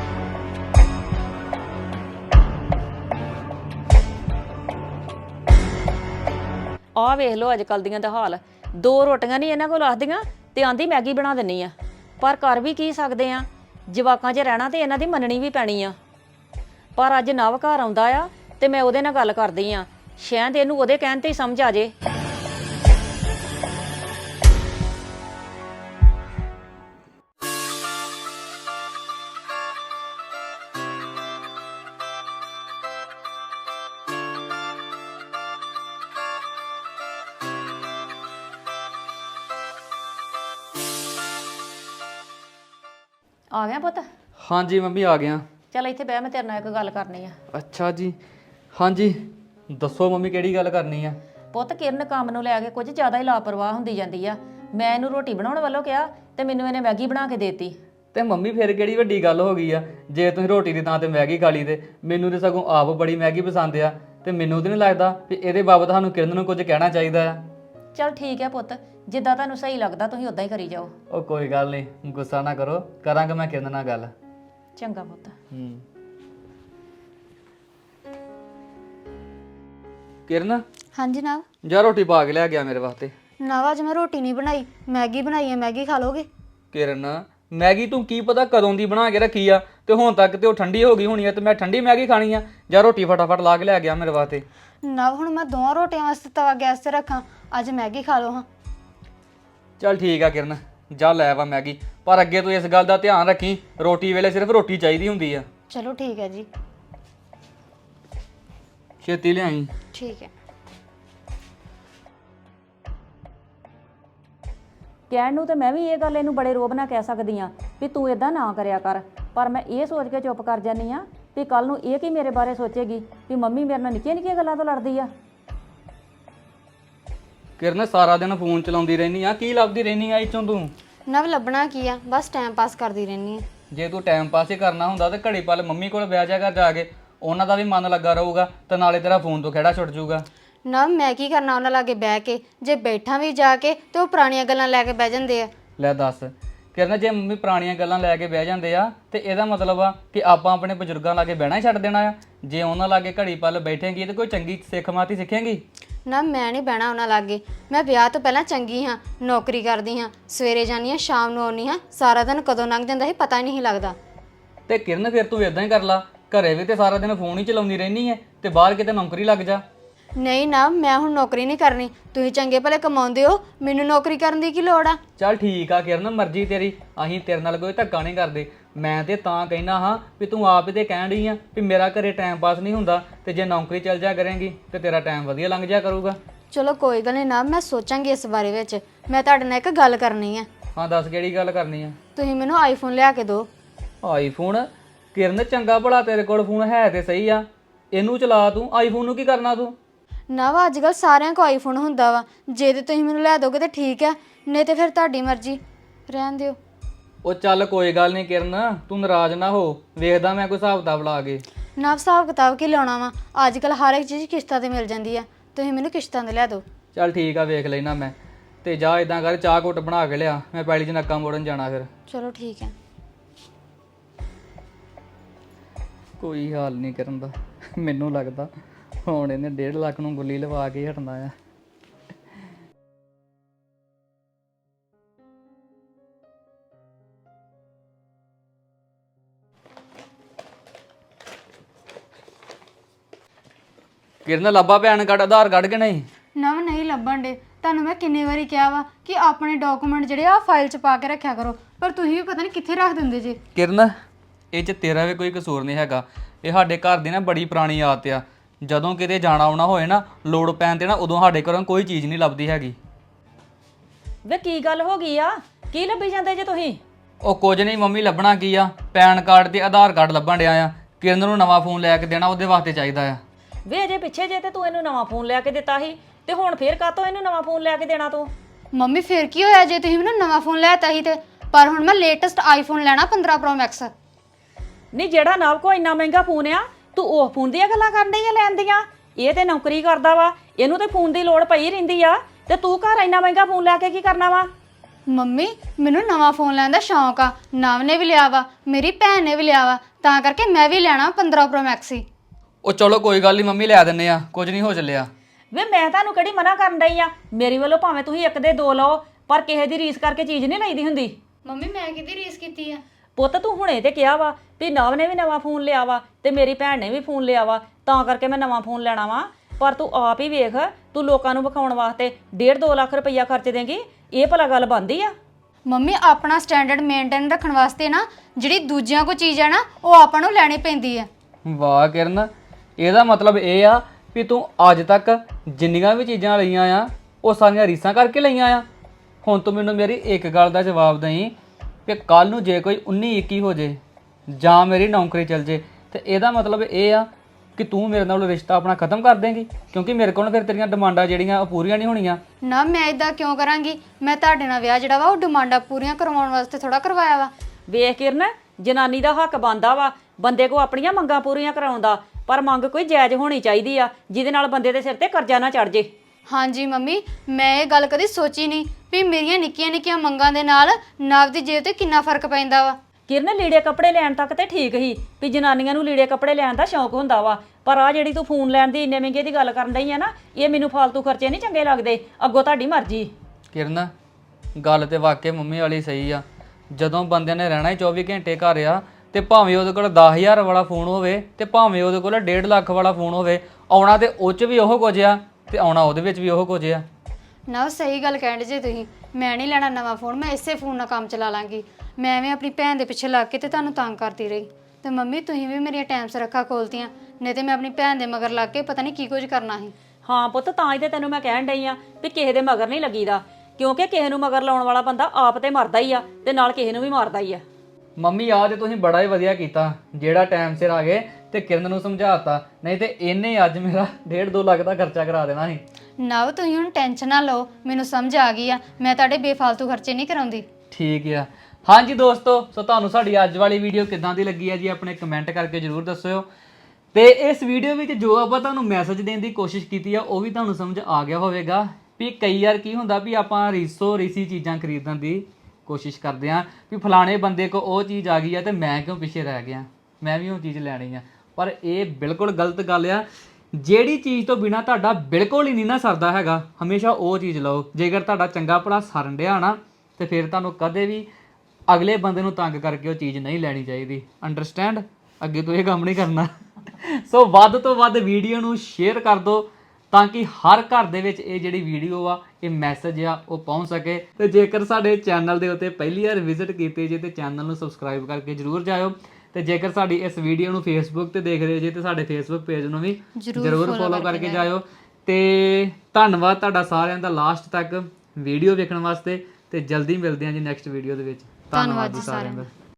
ਆਹ ਵੇਖ ਲਓ ਅੱਜ ਕੱਲ ਦੀਆਂ ਦਾ ਹਾਲ, ਦੋ ਰੋਟੀਆਂ ਨਹੀਂ ਇਹਨਾਂ ਕੋਲ ਆਖਦੀਆਂ ਤੇ ਆਂਦੀ ਮੈਗੀ ਬਣਾ ਦਿੰਨੀ ਆ। ਪਰ ਕਰ ਵੀ ਕੀ ਸਕਦੇ ਆ, ਜਵਾਕਾਂ 'ਚ ਰਹਿਣਾ ਤੇ ਇਹਨਾਂ ਦੀ ਮੰਨਣੀ ਵੀ ਪੈਣੀ ਆ। ਪਰ ਅੱਜ ਨਵ ਘਰ ਆਉਂਦਾ ਆ ਤੇ ਮੈਂ ਉਹਦੇ ਨਾਲ ਗੱਲ ਕਰਦੀ ਆ, ਸ਼ਾਇਦ ਇਹਨੂੰ ਉਹਦੇ ਕਹਿਣ ਤੇ ਹੀ ਸਮਝ ਆ ਜੇ। ਆ ਗਿਆ ਪੁੱਤ? ਹਾਂਜੀ ਮੰਮੀ ਆ ਗਿਆ। ਚੱਲ ਇੱਥੇ ਬਹਿ, ਮੈਂ ਤੇਰੇ ਨਾਲ ਇੱਕ ਗੱਲ ਕਰਨੀ ਆ। ਅੱਛਾ ਜੀ, ਹਾਂਜੀ ਦੱਸੋ ਮੰਮੀ ਕਿਹੜੀ ਗੱਲ ਕਰਨੀ ਆ? ਪੁੱਤ ਕਿਰਨ ਕੰਮ ਨੂੰ ਲੈ ਕੇ ਕੁਝ ਜ਼ਿਆਦਾ ਹੀ ਲਾਪਰਵਾਹ ਹੁੰਦੀ ਜਾਂਦੀ ਆ। ਮੈਂ ਇਹਨੂੰ ਰੋਟੀ ਬਣਾਉਣ ਵੱਲੋਂ ਕਿਹਾ ਤੇ ਮੈਨੂੰ ਇਹਨੇ ਮੈਗੀ ਬਣਾ ਕੇ ਦੇਤੀ। ਤੇ ਮੰਮੀ ਫਿਰ ਕਿਹੜੀ ਵੱਡੀ ਗੱਲ ਹੋ ਗਈ ਆ, ਜੇ ਤੁਸੀਂ ਰੋਟੀ ਦੀ ਥਾਂ ਤੇ ਮੈਗੀ ਖਾ ਲਈ ਤੇ ਮੈਨੂੰ ਤੇ ਸਗੋਂ ਆਪ ਬੜੀ ਮੈਗੀ ਪਸੰਦ ਆ, ਤੇ ਮੈਨੂੰ ਤੇ ਨਹੀਂ ਲੱਗਦਾ ਵੀ ਇਹਦੇ ਬਾਬਤ ਸਾਨੂੰ ਕਿਰਨ ਨੂੰ ਕੁਝ ਕਹਿਣਾ ਚਾਹੀਦਾ ਆ। ਚੱਲ ਠੀਕ ਹੈ ਪੁੱਤ, ਜਿੱਦਾਂ ਤੁਹਾਨੂੰ ਸਹੀ ਲੱਗਦਾ ਤੁਸੀਂ ਉਦਾਂ ਹੀ ਕਰੀ ਜਾਓ। ਉਹ ਕੋਈ ਗੱਲ ਨਹੀਂ, ਗੁੱਸਾ ਨਾ ਕਰੋ, ਕਰਾਂਗਾ ਮੈਂ ਕਿਰਨ ਨਾਲ ਗੱਲ। ਚੰਗਾ ਪੁੱਤ। ਹੂੰ ਕਿਰਨ ਹਾਂਜੀ ਨਵ। ਜਾ ਰੋਟੀ ਪਾ ਕੇ ਲਿਆ ਗਿਆ ਮੇਰੇ ਵਾਸਤੇ। ਨਵ ਅੱਜ ਮੈਂ ਰੋਟੀ ਨਹੀਂ ਬਣਾਈ, ਮੈਗੀ ਬਣਾਈ ਹੈ, ਮੈਗੀ ਖਾ ਲੋਗੇ? ਕਿਰਨ ਮੈਗੀ ਤੂੰ ਕੀ ਪਤਾ ਕਦੋਂ ਦੀ ਬਣਾ ਕੇ ਰੱਖੀ ਆ ਤੇ ਹੁਣ ਤੱਕ ਤੇ ਉਹ ਠੰਡੀ ਹੋ ਗਈ ਹੋਣੀ ਆ ਤੇ ਮੈਂ ਠੰਡੀ ਮੈਗੀ ਖਾਣੀ ਆ। ਜਾਂ ਰੋਟੀ ਫਟਾਫਟ ਲਾ ਕੇ ਲਿਆ ਗਿਆ ਮੇਰੇ ਵਾਸਤੇ। ਨਵ ਹੁਣ ਮੈਂ ਦੋਵਾਂ ਰੋਟੀਆਂ ਵਾਸਤੇ ਤਵਾ ਗੈਸ ਤੇ ਰੱਖਾਂ, ਅੱਜ ਮੈਗੀ ਖਾ ਲਓ ਹਾਂ। ਚੱਲ ਠੀਕ ਆ ਕਿਰਨ, ਜਾ ਲੈ ਵਾ ਮੈਗੀ, ਪਰ ਅੱਗੇ ਤੂੰ ਇਸ ਗੱਲ ਦਾ ਧਿਆਨ ਰੱਖੀ, ਰੋਟੀ ਵੇਲੇ ਸਿਰਫ ਰੋਟੀ ਚਾਹੀਦੀ ਹੁੰਦੀ ਆ। ਚਲੋ ਠੀਕ ਹੈ ਜੀ। ਛੇਤੀ ਲਿਆਈ। ਠੀਕ ਹੈ। ਕਹਿਣ ਨੂੰ ਤੇ ਮੈਂ ਵੀ ਇਹ ਗੱਲ ਇਹਨੂੰ ਬੜੇ ਰੋਬ ਨਾਲ ਕਹਿ ਸਕਦੀ ਆ ਵੀ ਤੂੰ ਇਦਾਂ ਨਾ ਕਰਿਆ ਕਰ, ਪਰ ਮੈਂ ਇਹ ਸੋਚ ਕੇ ਚੁੱਪ ਕਰ ਜਾਂਦੀ ਆ ਵੀ ਕੱਲ ਨੂੰ ਇਹ ਕੀ ਮੇਰੇ ਬਾਰੇ ਸੋਚੇਗੀ ਵੀ ਮੰਮੀ ਮੇਰੇ ਨਾਲ ਨਿੱਕੀਆਂ ਨਿੱਕੀਆਂ ਗੱਲਾਂ ਤੋਂ ਲੜਦੀ ਆ। ਕਿਰਨ ਸਾਰਾ ਦਿਨ ਫੋਨ ਚਲਾਉਂਦੀ ਰਹਿਨੀ ਆ, ਕੀ ਲੱਭਦੀ ਰਹਿਨੀ ਆ ਇਚੋਂ ਤੂੰ? ਨਵ ਲੱਭਣਾ ਕੀ ਆ, ਬਸ ਟਾਈਮ ਪਾਸ ਕਰਦੀ ਰਹਿੰਦੀ ਆ। ਜੇ ਤੂੰ ਟਾਈਮ ਪਾਸ ਹੀ ਕਰਨਾ ਹੁੰਦਾ ਤੇ ਘੜੀ ਪਲ ਮੰਮੀ ਕੋਲ ਬਹਿ ਜਾ ਕਰ ਜਾ ਕੇ, ਉਹਨਾਂ ਦਾ ਵੀ ਮਨ ਲੱਗਾ ਰਹੂਗਾ ਤੇ ਨਾਲੇ ਤੇਰਾ ਫੋਨ ਤੋਂ ਖਹਿੜਾ ਛੁੱਟ ਜਾਊਗਾ। ਨਵ ਮੈਂ ਕੀ ਕਰਨਾ ਉਹਨਾਂ ਲਾਗੇ ਬਹਿ ਕੇ, ਜੇ ਬੈਠਾ ਵੀ ਜਾ ਕੇ ਤੇ ਉਹ ਪੁਰਾਣੀਆਂ ਗੱਲਾਂ ਲੈ ਕੇ ਬਹਿ ਜਾਂਦੇ ਆ। ਲੈ ਦੱਸ ਕਿਰਨ, ਜੇ ਮੰਮੀ ਪੁਰਾਣੀਆਂ ਗੱਲਾਂ ਲੈ ਕੇ ਬਹਿ ਜਾਂਦੇ ਆ ਤੇ ਇਹਦਾ ਮਤਲਬ ਆ ਕਿ ਆਪਾਂ ਆਪਣੇ ਬਜ਼ੁਰਗਾਂ ਲਾਗੇ ਬਹਿਣਾ ਹੀ ਛੱਡ ਦੇਣਾ ਆ। ਜੇ ਉਹਨਾਂ ਲਾਗੇ ਘੜੀ ਪਲ ਬੈਠੇਂਗੀ ਤੇ ਕੋਈ ਚੰਗੀ ਸਿੱਖ ਮਾਤੀ ਸਿੱਖੇਂਗੀ। ਨਾ ਮੈਂ ਨਹੀਂ ਬਹਿਣਾ ਉਹਨਾਂ ਲਾਗੇ, ਮੈਂ ਵਿਆਹ ਤੋਂ ਪਹਿਲਾਂ ਚੰਗੀ ਹਾਂ, ਨੌਕਰੀ ਕਰਦੀ ਹਾਂ, ਸਵੇਰੇ ਜਾਂਦੀ ਹਾਂ ਸ਼ਾਮ ਨੂੰ ਆਉਂਦੀ ਹਾਂ, ਸਾਰਾ ਦਿਨ ਕਦੋਂ ਲੰਘ ਜਾਂਦਾ ਸੀ ਪਤਾ ਹੀ ਨਹੀਂ ਲੱਗਦਾ। ਤੇ ਕਿਰਨ ਫਿਰ ਤੂੰ ਇਦਾਂ ਹੀ ਕਰ ਲਾ, ਘਰੇ ਵੀ ਤੇ ਸਾਰਾ ਦਿਨ ਫੋਨ ਹੀ ਚਲਾਉਂਦੀ ਰਹਿਨੀ ਹੈ ਤੇ ਬਾਹਰ ਕਿਤੇ ਨੌਕਰੀ ਲੱਗ ਜਾ। ਨਹੀਂ ਨਾ, ਮੈਂ ਹੁਣ ਨੌਕਰੀ ਨਹੀਂ ਕਰਨੀ, ਤੁਸੀਂ ਚੰਗੇ ਭਲੇ ਕਮਾਉਂਦੇ ਹੋ, ਮੈਨੂੰ ਨੌਕਰੀ ਕਰਨ ਦੀ ਕੀ ਲੋੜ ਆ? ਚੱਲ ਠੀਕ ਆ ਕਿਰਨ, ਮਰਜ਼ੀ ਤੇਰੀ, ਅਸੀਂ ਤੇਰੇ ਨਾਲ ਕੋਈ ਧੱਕਾ ਨਹੀਂ ਕਰਦੇ। ਮੈਂ ਤੇ ਤਾਂ ਕਹਿਣਾ ਹਾਂ ਵੀ ਤੂੰ ਆਪ ਹੀ ਤੇ ਕਹਿਣ ਡਈ ਆ ਵੀ ਮੇਰਾ ਘਰੇ ਟਾਈਮ ਪਾਸ ਨਹੀਂ ਹੁੰਦਾ, ਤੇ ਜੇ ਨੌਕਰੀ ਚੱਲ ਜਾ ਕਰੇਂਗੀ ਤੇ ਤੇਰਾ ਟਾਈਮ ਵਧੀਆ ਲੰਘ ਜਾ ਕਰੂਗਾ। ਚਲੋ ਕੋਈ ਗੱਲ ਨਹੀਂ ਨਾ, ਮੈਂ ਸੋਚਾਂਗੀ ਇਸ ਬਾਰੇ ਵਿੱਚ। ਮੈਂ ਤੁਹਾਡੇ ਨਾਲ ਇੱਕ ਗੱਲ ਕਰਨੀ ਆ। ਹਾਂ ਦੱਸ, ਕਿਹੜੀ ਗੱਲ ਕਰਨੀ ਆ? ਤੁਸੀਂ ਮੈਨੂੰ ਆਈਫੋਨ ਲਿਆ ਕੇ ਦਿਓ। ਆਈਫੋਨ? ਕਿਰਨ ਚੰਗਾ ਭਲਾ ਤੇਰੇ ਕੋਲ ਫੋਨ ਹੈ ਤੇ ਸਹੀ ਆ, ਇਹਨੂੰ ਚਲਾ ਤੂੰ, ਆਈਫੋਨ ਨੂੰ ਕੀ ਕਰਨਾ ਤੂੰ? ਨਾ ਵਾ ਅੱਜ ਕੱਲ੍ਹ ਸਾਰਿਆਂ ਕੋਲ ਆਈਫੋਨ ਹੁੰਦਾ ਵਾ, ਜੇ ਤੇ ਤੁਸੀਂ ਮੈਨੂੰ ਲੈ ਦੋਗੇ ਤੇ ਠੀਕ ਹੈ, ਨਹੀਂ ਤੇ ਫਿਰ ਤੁਹਾਡੀ ਮਰਜ਼ੀ, ਰਹਿਣ ਦਿਓ। ਉਹ ਚੱਲ ਕੋਈ ਗੱਲ ਨਹੀਂ ਕਿਰਨ, ਤੂੰ ਨਾਰਾਜ਼ ਨਾ ਹੋ, ਵੇਖਦਾ ਮੈਂ ਕੋਈ ਹਿਸਾਬ ਕਿਤਾਬ ਲਾ ਕੇ। ਨਾ ਹਿਸਾਬ ਕਿਤਾਬ ਕੀ ਲਾਉਣਾ ਵਾ, ਅੱਜ ਕੱਲ੍ਹ ਹਰ ਇੱਕ ਚੀਜ਼ ਕਿਸ਼ਤਾਂ ਤੇ ਮਿਲ ਜਾਂਦੀ ਆ, ਤੁਸੀਂ ਮੈਨੂੰ ਕਿਸ਼ਤਾਂ ਤੇ ਲਿਆ ਦਿਓ। ਚੱਲ ਠੀਕ ਆ, ਵੇਖ ਲੈਣਾ ਮੈਂ। ਤੇ ਜਾ ਇਦਾਂ ਕਰ, ਚਾਹ ਘੁੱਟ ਬਣਾ ਕੇ ਲਿਆ, ਮੈਂ ਪੈਲੀ 'ਚ ਨੱਕਾ ਮੋੜਨ ਜਾਣਾ ਫਿਰ। ਚਲੋ ਠੀਕ ਹੈ। ਕੋਈ ਹਾਲ ਨਹੀਂ ਕਰਨ ਦਾ, ਮੈਨੂੰ ਲੱਗਦਾ ਹੁਣ ਇਹਨੇ ਡੇਢ ਲੱਖ ਨੂੰ ਗੁੱਲੀ ਲਵਾ ਕੇ ਹਟਣਾ ਆ। ਕਿਰਨ ਲੱਭਾ ਪੈਨ ਕਾਰਡ, ਆਧਾਰ ਕਾਰਡ ਕਿ ਨਹੀਂ? ਨਾ ਨਹੀਂ ਲੱਭਣ ਦੇ, ਤੁਹਾਨੂੰ ਮੈਂ ਕਿੰਨੀ ਵਾਰੀ ਕਿਹਾ ਵਾ ਕਿ ਆਪਣੇ ਡਾਕੂਮੈਂਟ ਜਿਹੜੇ ਆ ਫਾਈਲ 'ਚ ਪਾ ਕੇ ਰੱਖਿਆ ਕਰੋ, ਪਰ ਤੁਸੀਂ ਵੀ ਪਤਾ ਨਹੀਂ ਕਿੱਥੇ ਰੱਖ ਦਿੰਦੇ ਜੇ। ਕਿਰਨ ਇਹ 'ਚ ਤੇਰਾ ਵੀ ਕੋਈ ਕਸੂਰ ਨਹੀਂ ਹੈਗਾ, ਇਹ ਸਾਡੇ ਘਰ ਦੀ ਨਾ ਬੜੀ ਪੁਰਾਣੀ ਆਦਤ ਆ, ਜਦੋਂ ਕਿਤੇ ਜਾਣਾ ਆਉਣਾ ਹੋਏ ਨਾ, ਲੋੜ ਪੈਣ ਤੇ ਨਾ ਉਦੋਂ ਸਾਡੇ ਘਰੋਂ ਕੋਈ ਚੀਜ਼ ਨਹੀਂ ਲੱਭਦੀ ਹੈਗੀ। ਵੇ ਕੀ ਗੱਲ ਹੋ ਗਈ ਆ, ਕੀ ਲੱਭੀ ਜਾਂਦੇ ਜੇ ਤੁਸੀਂ? ਉਹ ਕੁਝ ਨਹੀਂ ਮੰਮੀ, ਲੱਭਣਾ ਕੀ ਆ, ਪੈਨ ਕਾਰਡ ਤੇ ਆਧਾਰ ਕਾਰਡ ਲੱਭਣ ਡਿਆ ਆ। ਕਿਰਨ ਨੂੰ ਨਵਾਂ ਫੋਨ ਲੈ ਕੇ ਦੇਣਾ, ਉਹਦੇ ਵਾਸਤੇ ਚਾਹੀਦਾ ਆ। ਵੇ ਅਜੇ ਪਿੱਛੇ ਜੇ ਤੇ ਤੂੰ ਇਹਨੂੰ ਨਵਾਂ ਫੋਨ ਲੈ ਕੇ ਦਿੱਤਾ ਸੀ, ਤੇ ਹੁਣ ਫੇਰ ਕਾਹਤੋਂ ਇਹਨੂੰ ਨਵਾਂ ਫੋਨ ਲੈ ਕੇ ਦੇਣਾ ਤੂੰ? ਮੰਮੀ ਫਿਰ ਕੀ ਹੋਇਆ ਜੇ ਤੁਸੀਂ ਮੈਨੂੰ ਨਵਾਂ ਫੋਨ ਲੈਤਾ ਸੀ ਤੇ, ਪਰ ਹੁਣ ਮੈਂ ਲੇਟੈਸਟ ਆਈਫੋਨ ਲੈਣਾ ਪੰਦਰਾਂ ਪ੍ਰੋ ਮੈਕਸ। ਨਹੀਂ ਜਿਹੜਾ ਨਵ ਕੋ ਇੰਨਾ ਮਹਿੰਗਾ ਫੋਨ ਆ, ਤੂੰ ਉਹ ਫੋਨ ਦੀਆਂ ਗੱਲਾਂ ਕਰਨ ਡਈ ਆ ਲੈਣ ਦੀਆਂ? ਇਹ ਤੇ ਨੌਕਰੀ ਕਰਦਾ ਵਾ, ਇਹਨੂੰ ਤੇ ਫੋਨ ਦੀ ਲੋੜ ਪਈ ਰਹਿੰਦੀ ਆ, ਤੇ ਤੂੰ ਘਰ ਇੰਨਾ ਮਹਿੰਗਾ ਫੋਨ ਲੈ ਕੇ ਕੀ ਕਰਨਾ ਵਾ? ਮੰਮੀ ਮੈਨੂੰ ਨਵਾਂ ਫੋਨ ਲੈਣ ਦਾ ਸ਼ੌਂਕ ਆ, ਨਵ ਨੇ ਵੀ ਲਿਆ ਵਾ, ਮੇਰੀ ਭੈਣ ਨੇ ਵੀ ਲਿਆ ਵਾ, ਤਾਂ ਕਰਕੇ ਮੈਂ ਵੀ ਲੈਣਾ ਪੰਦਰਾਂ ਪ੍ਰੋ ਮੈਕਸ ਹੀ। ਉਹ ਚਲੋ ਕੋਈ ਗੱਲ ਨਹੀਂ ਮੰਮੀ, ਲੈ ਦਿੰਨੇ ਆ, ਕੁਝ ਨਹੀਂ ਹੋ ਚੱਲਿਆ। ਵੇ ਮੈਂ ਤੁਹਾਨੂੰ ਕਿਹੜੀ ਮਨਾ ਕਰਨ ਡਈ ਆ? ਮੇਰੀ ਵੱਲੋਂ ਭਾਵੇਂ ਤੁਸੀਂ ਇੱਕ ਦੇ ਦੋ ਲਓ, ਪਰ ਕਿਸੇ ਦੀ ਰੀਸ ਕਰਕੇ ਚੀਜ਼ ਨਹੀਂ ਲਈਦੀ ਹੁੰਦੀ। ਮੰਮੀ ਮੈਂ ਕਿਹਦੀ ਰੀਸ ਕੀਤੀ ਆ? ਪੁੱਤ ਤੂੰ ਹੁਣੇ ਤੇ ਕਿਹਾ ਵਾ ਵੀ ਨਵ ਨੇ ਵੀ ਨਵਾਂ ਫੋਨ ਲਿਆ ਵਾ ਤੇ ਮੇਰੀ ਭੈਣ ਨੇ ਵੀ ਫੋਨ ਲਿਆ ਵਾ, ਤਾਂ ਕਰਕੇ ਮੈਂ ਨਵਾਂ ਫੋਨ ਲੈਣਾ ਵਾ। ਪਰ ਤੂੰ ਆਪ ਹੀ ਵੇਖ, ਤੂੰ ਲੋਕਾਂ ਨੂੰ ਵਿਖਾਉਣ ਵਾਸਤੇ ਡੇਢ ਦੋ ਲੱਖ ਰੁਪਈਆ ਖਰਚ ਦੇਂਗੀ, ਇਹ ਭਲਾ ਗੱਲ ਬਣਦੀ ਆ? ਮੰਮੀ ਆਪਣਾ ਸਟੈਂਡਰਡ ਮੇਨਟੇਨ ਰੱਖਣ ਵਾਸਤੇ ਨਾ ਜਿਹੜੀ ਦੂਜਿਆਂ ਕੋ ਚੀਜ਼ ਆ ਨਾ, ਉਹ ਆਪਾਂ ਨੂੰ ਲੈਣੀ ਪੈਂਦੀ ਆ। ਵਾਹ ਕਿਰਨ, ਇਹਦਾ ਮਤਲਬ ਇਹ ਆ ਵੀ ਤੂੰ ਅੱਜ ਤੱਕ ਜਿੰਨੀਆਂ ਵੀ ਚੀਜ਼ਾਂ ਲਈਆਂ ਆ ਉਹ ਸਾਰੀਆਂ ਰੀਸਾਂ ਕਰਕੇ ਲਈਆਂ ਆ। ਹੁਣ ਤੂੰ ਮੈਨੂੰ ਮੇਰੀ ਇੱਕ ਗੱਲ ਦਾ ਜਵਾਬ ਦੇਈਂ ਕਿ ਕੱਲ ਨੂੰ ਜੇ ਕੋਈ ਉੱਨੀ ਇੱਕੀ ਹੋ ਜੇ ਜਾਂ ਮੇਰੀ ਨੌਕਰੀ ਚੱਲ ਜੇ, ਤੇ ਇਹਦਾ ਮਤਲਬ ਇਹ ਆ ਕਿ ਤੂੰ ਮੇਰੇ ਨਾਲ ਰਿਸ਼ਤਾ ਆਪਣਾ ਖਤਮ ਕਰ ਦੇਂਗੀ, ਕਿਉਂਕਿ ਮੇਰੇ ਕੋਲ ਫਿਰ ਤੇਰੀਆਂ ਡਿਮਾਂਡਾਂ ਜਿਹੜੀਆਂ ਉਹ ਪੂਰੀਆਂ ਨਹੀਂ ਹੋਣੀਆਂ। ਨਾ ਮੈਂ ਇਦਾਂ ਕਿਉਂ ਕਰਾਂਗੀ, ਮੈਂ ਤੁਹਾਡੇ ਨਾਲ ਵਿਆਹ ਜਿਹੜਾ ਵਾ ਉਹ ਡਿਮਾਂਡਾਂ ਪੂਰੀਆਂ ਕਰਵਾਉਣ ਵਾਸਤੇ ਥੋੜਾ ਕਰਵਾਇਆ ਵਾ। ਵੇਖ ਕਿਰਨ, ਜਨਾਨੀ ਦਾ ਹੱਕ ਬਣਦਾ ਵਾ ਬੰਦੇ ਕੋ ਆਪਣੀਆਂ ਮੰਗਾਂ ਪੂਰੀਆਂ ਕਰਾਉਣ ਦਾ, ਪਰ ਮੰਗ ਕੋਈ ਜਾਇਜ਼ ਹੋਣੀ ਚਾਹੀਦੀ ਆ, ਜਿਹਦੇ ਨਾਲ ਬੰਦੇ ਦੇ ਸਿਰ ਤੇ ਕਰਜ਼ਾ ਨਾ ਚੜ ਜੇ। ਹਾਂਜੀ ਮੰਮੀ, ਮੈਂ ਇਹ ਗੱਲ ਕਦੀ ਸੋਚੀ ਨਹੀਂ ਵੀ ਮੇਰੀਆਂ ਨਿੱਕੀਆਂ ਨਿੱਕੀਆਂ ਮੰਗਾਂ ਦੇ ਨਾਲ ਨਵ ਦੀ ਜੇਬ ਤੇ ਕਿੰਨਾ ਫਰਕ ਪੈਂਦਾ ਵਾ। ਕਿਰਨ ਲੀੜੇ ਕੱਪੜੇ ਲੈਣ ਤੱਕ ਤੇ ਠੀਕ ਹੀ ਵੀ ਜਨਾਨੀਆਂ ਨੂੰ ਲੀੜੇ ਕੱਪੜੇ ਲੈਣ ਦਾ ਸ਼ੌਂਕ ਹੁੰਦਾ ਵਾ ਪਰ ਆ ਜਿਹੜੀ ਤੂੰ ਫੋਨ ਲੈਣ ਦੀ ਇੰਨੇ ਮਹਿੰਗੇ ਦੀ ਗੱਲ ਕਰਨ ਡਈ ਆ ਨਾ ਇਹ ਮੈਨੂੰ ਫਾਲਤੂ ਖਰਚੇ ਨਹੀਂ ਚੰਗੇ ਲੱਗਦੇ ਅੱਗੋਂ ਤੁਹਾਡੀ ਮਰਜ਼ੀ। ਕਿਰਨ ਗੱਲ ਤੇ ਵਾਕਿਆ ਮੰਮੀ ਵਾਲੀ ਸਹੀ ਆ। ਜਦੋਂ ਬੰਦਿਆਂ ਨੇ ਰਹਿਣਾ ਹੀ ਚੌਵੀ ਘੰਟੇ ਘਰ ਆ ਤੇ ਭਾਵੇਂ ਉਹਦੇ ਕੋਲ ਦਸ ਹਜ਼ਾਰ ਵਾਲਾ ਫੋਨ ਹੋਵੇ ਤੇ ਭਾਵੇਂ ਉਹਦੇ ਕੋਲ ਡੇਢ ਲੱਖ ਵਾਲਾ ਫੋਨ ਹੋਵੇ, ਆਉਣਾ ਤੇ ਉਹ 'ਚ ਵੀ ਉਹ ਕੁਝ ਆ ਤੇ ਆਉਣਾ ਉਹਦੇ ਵਿੱਚ ਵੀ ਉਹ ਕੁਝ ਆ। ਨਾ ਸਹੀ ਗੱਲ ਕਹਿੰਦੇ ਜੇ ਤੁਸੀਂ, ਮੈਂ ਨਹੀਂ ਲੈਣਾ ਨਵਾਂ ਫੋਨ, ਮੈਂ ਇਸੇ ਫੋਨ ਨਾਲ ਕੰਮ ਚਲਾ ਲਾਂਗੀ। ਮੈਂ ਐਵੇਂ ਆਪਣੀ ਭੈਣ ਦੇ ਪਿੱਛੇ ਲੱਗ ਕੇ ਤੇ ਤੁਹਾਨੂੰ ਤੰਗ ਕਰਦੀ ਰਹੀ ਤੇ ਮੰਮੀ ਤੁਸੀਂ ਵੀ ਮੇਰੀਆਂ ਟਾਈਮ ਸਿਰ ਅੱਖਾਂ ਖੋਲਤੀਆਂ, ਨਹੀਂ ਤੇ ਮੈਂ ਆਪਣੀ ਭੈਣ ਦੇ ਮਗਰ ਲੱਗ ਕੇ ਪਤਾ ਨਹੀਂ ਕੀ ਕੁਝ ਕਰਨਾ ਸੀ। ਹਾਂ ਪੁੱਤ ਤਾਂ ਹੀ ਤੇ ਤੈਨੂੰ ਮੈਂ ਕਹਿਣ ਡਈ ਆ ਵੀ ਕਿਸੇ ਦੇ ਮਗਰ ਨਹੀਂ ਲੱਗੀਦਾ ਕਿਉਂਕਿ ਕਿਸੇ ਨੂੰ ਮਗਰ ਲਾਉਣ ਵਾਲਾ ਬੰਦਾ ਆਪ ਤੇ ਮਰਦਾ ਹੀ ਆ ਤੇ ਨਾਲ ਕਿਸੇ ਨੂੰ ਵੀ ਮਾਰਦਾ ਹੀ ਆ। ਮੰਮੀ ਆ ਤੇ ਤੁਸੀਂ ਬੜਾ ਹੀ ਵਧੀਆ ਕੀਤਾ ਜਿਹੜਾ ਟਾਈਮ ਸਿਰ ਆ ਗਏ ਤੇ ਕਿਰਨ ਨੂੰ ਸਮਝਾਤਾ, ਨਹੀਂ ਤੇ ਇਹਨੇ ਅੱਜ ਮੇਰਾ ਡੇਢ ਦੋ ਲੱਖ ਦਾ ਖਰਚਾ ਕਰਾ ਦੇਣਾ ਸੀ। ਨਾ ਤੁਸੀਂ ਹੁਣ ਟੈਨਸ਼ਨ ਨਾ ਲਓ, ਮੈਨੂੰ ਸਮਝ ਆ ਗਈ ਆ, ਮੈਂ ਤੁਹਾਡੇ ਬੇਫਾਲਤੂ ਖਰਚੇ ਨਹੀਂ ਕਰਾਉਂਦੀ। ਠੀਕ ਆ। ਹਾਂਜੀ ਦੋਸਤੋ, ਸੋ ਤੁਹਾਨੂੰ ਸਾਡੀ ਅੱਜ ਵਾਲੀ ਵੀਡੀਓ ਕਿੱਦਾਂ ਦੀ ਲੱਗੀ ਆ ਜੀ ਆਪਣੇ ਕਮੈਂਟ ਕਰਕੇ ਜਰੂਰ ਦੱਸਿਓ ਤੇ ਇਸ ਵੀਡੀਓ ਵਿੱਚ ਜੋ ਆਪਾਂ ਤੁਹਾਨੂੰ ਮੈਸੇਜ ਦੇਣ ਦੀ ਕੋਸ਼ਿਸ਼ ਕੀਤੀ ਆ ਉਹ ਵੀ ਤੁਹਾਨੂੰ ਸਮਝ ਆ ਗਿਆ ਹੋਵੇਗਾ ਵੀ ਕਈ ਵਾਰ ਕੀ ਹੁੰਦਾ ਵੀ ਆਪਾਂ ਰੀਸੋ ਰੀਸੀ ਚੀਜ਼ਾਂ ਖਰੀਦਣ ਦੀ ਕੋਸ਼ਿਸ਼ ਕਰਦੇ ਆ ਵੀ ਫਲਾਣੇ ਬੰਦੇ ਕੋ ਉਹ ਚੀਜ਼ ਆ ਗਈ ਆ ਤੇ ਮੈਂ ਕਿਉਂ ਪਿੱਛੇ ਰਹਿ ਗਿਆ, ਮੈਂ ਵੀ ਉਹ ਚੀਜ਼ ਲੈਣੀ ਆ। ਪਰ ਇਹ ਬਿਲਕੁਲ ਗਲਤ ਗੱਲ ਆ। ਜਿਹੜੀ ਚੀਜ਼ ਤੋਂ ਬਿਨਾ ਤੁਹਾਡਾ ਬਿਲਕੁਲ ਹੀ ਨਹੀਂ ਨਾ ਸਰਦਾ ਹੈਗਾ ਹਮੇਸ਼ਾ ਉਹ ਚੀਜ਼ ਲਓ। ਜੇਕਰ ਤੁਹਾਡਾ ਚੰਗਾ ਭਲਾ ਸਰਨ ਡਿਆ ਨਾ ਤੇ ਫਿਰ ਤੁਹਾਨੂੰ ਕਦੇ ਵੀ ਅਗਲੇ ਬੰਦੇ ਨੂੰ ਤੰਗ ਕਰਕੇ ਉਹ ਚੀਜ਼ ਨਹੀਂ ਲੈਣੀ ਚਾਹੀਦੀ। ਅੰਡਰਸਟੈਂਡ? ਅੱਗੇ ਤੋਂ ਇਹ ਕੰਮ ਨਹੀਂ ਕਰਨਾ। ਸੋ ਵੱਧ ਤੋਂ ਵੱਧ ਵੀਡੀਓ ਨੂੰ ਸ਼ੇਅਰ ਕਰ ਦਿਓ ਤਾਂ ਕਿ ਹਰ ਘਰ ਦੇ ਵਿੱਚ ਇਹ ਜਿਹੜੀ ਵੀਡੀਓ ਆ ਇਹ ਮੈਸੇਜ ਆ ਉਹ ਪਹੁੰਚ ਸਕੇ। ਤੇ ਜੇਕਰ ਸਾਡੇ ਚੈਨਲ ਦੇ ਉੱਤੇ ਪਹਿਲੀ ਵਾਰ ਵਿਜ਼ਿਟ ਕੀਤੇ ਜੇ ਤੇ ਚੈਨਲ ਨੂੰ ਸਬਸਕ੍ਰਾਈਬ ਕਰਕੇ ਜਰੂਰ ਜਾਇਓ ਤੇ ਜੇਕਰ ਸਾਡੀ ਇਸ ਵੀਡੀਓ ਨੂੰ ਫੇਸਬੁੱਕ ਤੇ ਦੇਖ ਰਹੇ ਜੇ ਤੇ ਸਾਡੇ ਫੇਸਬੁੱਕ ਪੇਜ ਨੂੰ ਵੀ ਜਰੂਰ ਫੋਲੋ ਕਰਕੇ ਜਾਇਓ। ਤੇ ਧੰਨਵਾਦ ਤੁਹਾਡਾ ਸਾਰਿਆਂ ਦਾ ਲਾਸਟ ਤੱਕ ਵੀਡੀਓ ਵੇਖਣ ਵਾਸਤੇ ਤੇ ਜਲਦੀ ਮਿਲਦੇ ਹਾਂ ਜੀ ਨੈਕਸਟ ਵੀਡੀਓ ਦੇ ਵਿੱਚ। ਧੰਨਵਾਦ ਜੀ ਸਾਰਿਆਂ ਦਾ।